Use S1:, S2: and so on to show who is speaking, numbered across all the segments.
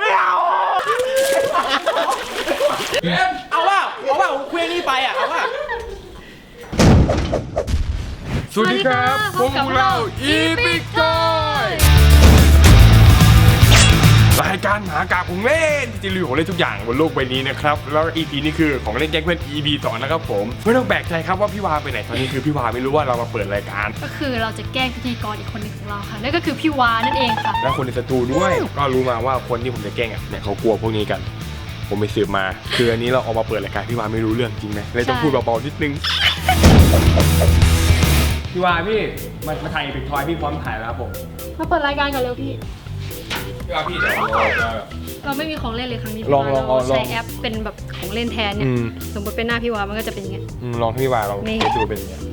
S1: ไม่เอาว่าเคว้งนี่ไปอ่ะเอาว่า
S2: สวัสดีครับพวกเราอีพิกทอยรายการหากากของเล่นที่จะรีวิวของเล่นทุกอย่างบนโลกใบนี้นะครับแล้ว EP นี้คือของเล่นแก๊งเพื่อน EP 2นะครับผมไม่ต้องแปลกใจครับว่าพี่วาไปไหนตอนนี้คือพี่วาไม่รู้ว่าเรามาเปิดรายการ
S3: ก็คือเราจะแกล้งพิธีกรอีกคนหนึ่งของเราค่ะนั่นก็คือพี่วานั่นเองค่ะ
S2: และคนในสตูด้วยก็รู้มาว่าคนที่ผมจะแกล้งอ่ะเนี่ยเขากลัวพวกนี้กันผมไปสืบมาคืออันนี้เราเอามาเปิดรายการพี่วาไม่รู้เรื่องจริงไหมเลยต้องพูดเบาๆนิดนึงพี่วาพี่มาถ่ายอีพิกทอยพี่พร้อมถ่ายแล้วครับผม
S3: มาเปิดรายการกันเร็วพี่
S2: พี่เดี๋ยว
S3: เราไม่มีของเล่นเลยครั้งนี้
S2: ลอง
S3: ใช้แอปเป็นแบบของเล่นแทนเนี่ยสมมติเป็นหน้าพี่วามันก็จะเป็นอย่างเงี้ย
S2: ลองให้พี่วาลองดูเป็นอย่างเงี้ย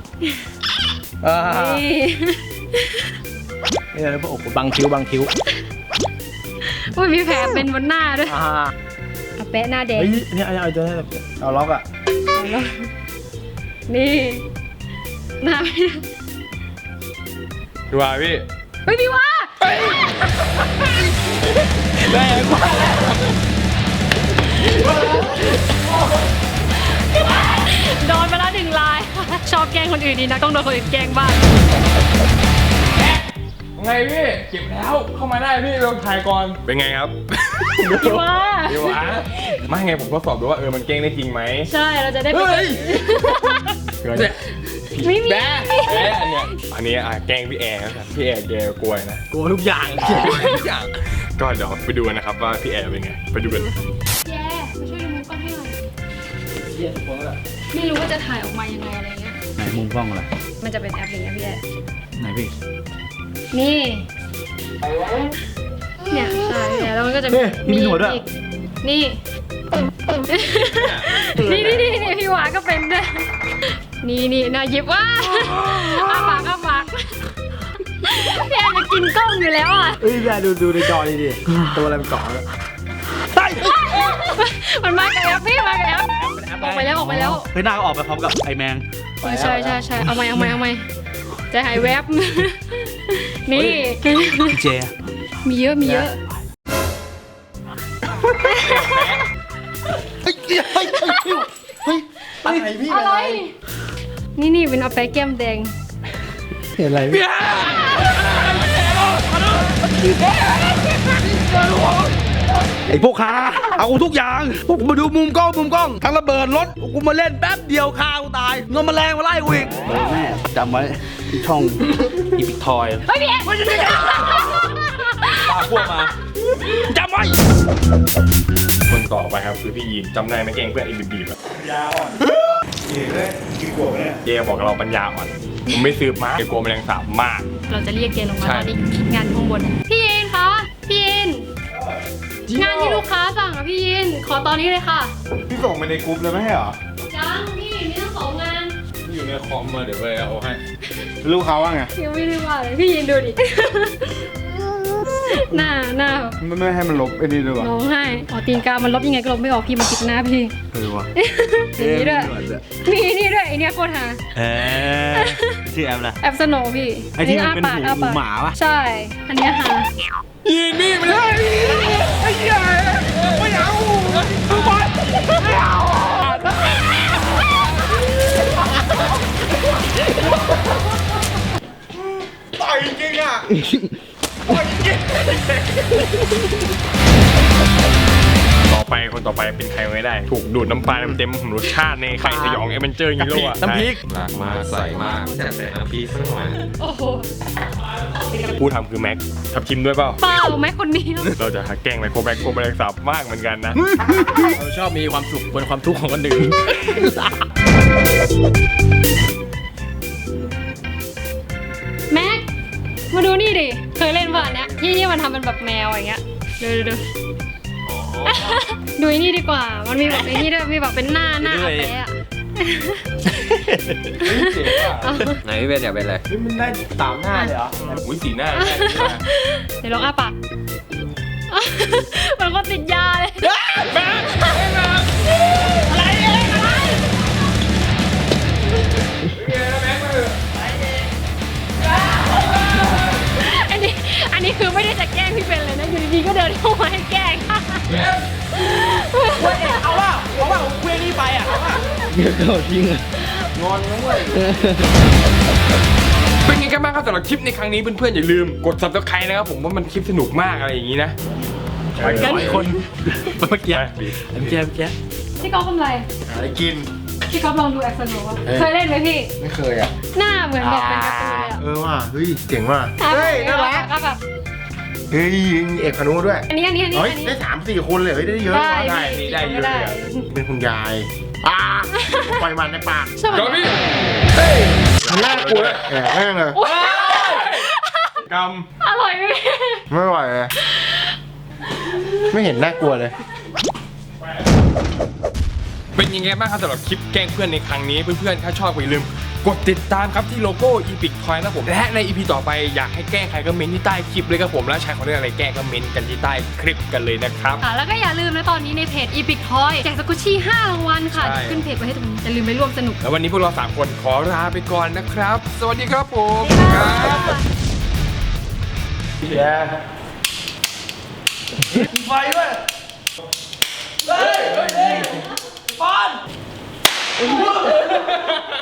S1: นี่อะไรพวกบังคิ้ว
S3: อุ้ยมีแผลเป็นบนหน้าด้วยแปะหน้าแดง
S1: นี่เอาล็อกอ่ะ
S3: นี่หน้า
S2: พี่วาพี่
S3: เฮ้ยพี่วา
S1: แรงมาก
S3: โดนไปแล้วหนึ่งลายชอบแกล้งคนอื่นดีนะต้องโดนคนอื่นแกล้งบ้าง
S2: ไงพี่เก็บแล้วเข้ามาได้พี่ลองถ่ายก่อนเป็นไงครับ
S3: พี่วา
S2: ไม่ไงผมทดสอบดูว่ามันแกล้งได้จริงไหม
S3: ใช่เราจะได้ไม่มี
S2: อันนี้แกล้งพี่แอร์ครับพี่แอร์แกกลัวนะ
S1: กลัวทุกอย่าง
S2: ก็เดี๋ยวไปดูนะครับว่าพี่แอร์เป็นไงไปดูกัน
S3: แย่มาช่วยดูมุมกล้องให้หน่อย
S1: เยี่ยมพวกเรา
S3: ไม่รู้ว่าจะถ่ายออกมายังไงอะไรเงี้ย
S1: ไหนมุมกล้องอะไร
S3: มันจะเป็นแอปอย่างเงี้ยพี่แอร์
S1: ไหนพี่
S3: นี่เนี่ยใช่แล้วมันก็จะมี
S1: หนวดด้วย
S3: นี่พี่วาก็เป็นด้วยนี่น่ายิบว่าอ้าปากพี่แอนจะกินกล้องอยู่แล้วอ่ะ
S1: พี่แอนดูในจอดิตัวอะไรมันเกาะ
S3: มันมากับแอปพี่มากับแอปออกไปแล้ว
S1: เฮ้ยหน้าก็ออกไปพร้อมกับไอแมง
S3: ใช่เอาใหม่ใจหายแวบนี่
S1: พี่เจ
S3: มีเยอะ
S1: อะไรพี่
S3: อะไรนี่เป็นเอาไปแก้มแดง
S1: เห็นอะไรพี่ไอ้พวกค้าเอาทุกอย่างพวกกูมาดูมุมกล้องทั้งระเบิดรถกูมาเล่นแป๊บเดียวฆ่ากูตายเงินมาแรงมาไล่กูอีกแม่จำไว้ที่ช่องอีพิกทอย
S3: เฮ้ยพี่แอ๊มันจะ
S1: ปาพวกมาจำไว้
S2: คนต่อไปครับคือพี่ยีนจำได้ไหมแกงเพื่อนไอ้บีบยาอ่อนเย่เลยกี่ขวบเนี่ยเย่บอกเราปัญญาอ่อนผมไม่ซื้อมาเกลัวแมลงสาบมาก
S3: เราจะเรียกเกลงมาตอนนี้งานข้างบนพี่ยินคะพี่ยินงานที่ลูกค้าสั่งอะพี่ยินขอตอนนี้เลยค่ะ
S2: พี่ส่งไปในกรุ๊ปเลยไม่ใช่เหรอ
S3: ยังพี่มีทั้งสองงาน
S2: อยู่ในคอมมาเดี๋ยวไปเอาให้
S1: ลูกค้าว่าไง
S3: ยังไม่ได้ว่าเลยพี่ยินดูดิหน้า
S1: ไม่ให้มันลบไอ้นี่ด้วยวะ
S3: ร้องไห้ตีนกามันลบยังไงก็ลบไม่ออกพี่มันติดหน้าพี่
S1: วะ
S3: นี่ด้วยมีนี่ด้วยไอเนี้ยโคตรหา
S1: ชื่อแอปอะไร
S3: แอปสโนว์พี่
S1: ไอที่มันเป็นหูหมาวะ
S3: ใช่อันเนี้ยหา
S2: ยีนมี่ไม่ได้
S1: ไอ้ยัยไม่เอาไม่เอา
S2: ต่อยจริงอ่ะคนต่อไปเป็นใครไม่ได้ถูกดูดน้ำปลาเต็มรสชาติในไข่สยองเอเวนเจอร์ฮีโร่อะ
S1: น้ำพริก
S2: หลากมาใส่มากแซ่บน้ำพริกสักหน่อย
S3: โอ้โห
S2: ผู้ทำคือแม็กทับชิมด้วยเปล่า
S3: แม็กคนนี้
S2: เราจะแกล้งไมโครแม็กโครแม็กสับมากเหมือนกันนะ
S1: เราชอบมีความสุขบนความทุกข์ของคนอื่น
S3: แม็กมาดูนี่ดิเคยเล่นป่ะเนี้ยที่มันทำเป็นแบบแมวอย่างเงี้ยดูดูนี่ดีกว่ามันมีแบบไอ้นี่ด้วยมีแบบเป็นหน้าอาเป๊ะ
S4: ไหนพี่เป็นอยากเป็นอะไร
S1: มันได้3 หน้าเลยเหรอ
S2: อุ้ย4 หน้า
S3: เดี๋ยวลองอ้าปากมันก็ติดยาเลยอะไรอันนี้คือไม่ได้จะแกล้งพี่เป็นเลยนะอยู่ดีๆก็เดินเข้ามาให้แกล้ง
S1: เอาว่าเคว้งนี่ไปอ่ะเอาว่าเดี๋ยวเขาจริงอ่ะงอนนะเว้ย
S2: เป็นไงกันบ้างครับสำหรับคลิปในครั้งนี้เพื่อนๆอย่าลืมกด subscribe นะครับผมว่ามันคลิปสนุกมากอะไรอย่างนี้นะ
S1: กันคนเมื่อกี้
S3: พี่ก๊อฟทำไร
S5: อะไรกิน
S3: พี่ก๊อฟลองดูแอคชั่นว่าเคยเล่นไหมพี่
S5: ไม่เคยอ่ะ
S3: หน้าเหมือนแบบเป็นการ์ตูนเลยอะ
S5: ว่ะเฮ้ยเจ๋งว่ะ เฮ้ยน่ารัก
S3: ก็แบบ
S5: เฮ้ยมีเอกพานุด้วย
S3: อันนี้
S5: เฮ้ยได้3-4 คนเลยเฮ้ยได้เยอะ
S3: ได้
S2: ได้เยอะเลยอะ
S5: เป็นคุณยายปล่อยมันในปาก
S3: ใช่ไหม
S2: จอพี่
S5: มันน่ากลัวแอบแม่งเลย
S2: ก
S3: อร่อยไหมพี่
S5: ไม่ไหวเลยไม่เห็นน่ากลัวเลย
S2: เป็นยังไงบ้างครับสำหรับคลิปแกล้งเพื่อนในครั้งนี้เพื่อนๆถ้าชอบอย่าลืมกดติดตามครับที่โลโก้ Epic Toy นะผมและใน EP ต่อไปอยากให้แกล้งใครก็เมนที่ใต้คลิปเลยครับผมแล้วใช้ของเรื่องอะไรแกล้งก็เมนกันที่ใต้คลิปกันเลยนะครับ
S3: แล้วก็อย่าลืมนะตอนนี้ในเพจ Epic Toy แจกสกุชชี่5รางวัลค่ะ
S2: ใช่
S3: ขึ้นเพจไว้ให้ตรงนี้อย่าลืมไปร่วมสนุก
S2: แล้ววันนี้พวกเรา3คนขอลาไปก่อนนะครับ สวัสดีครับผมครับ
S1: มีไฟด้วยเฮ้ยบอล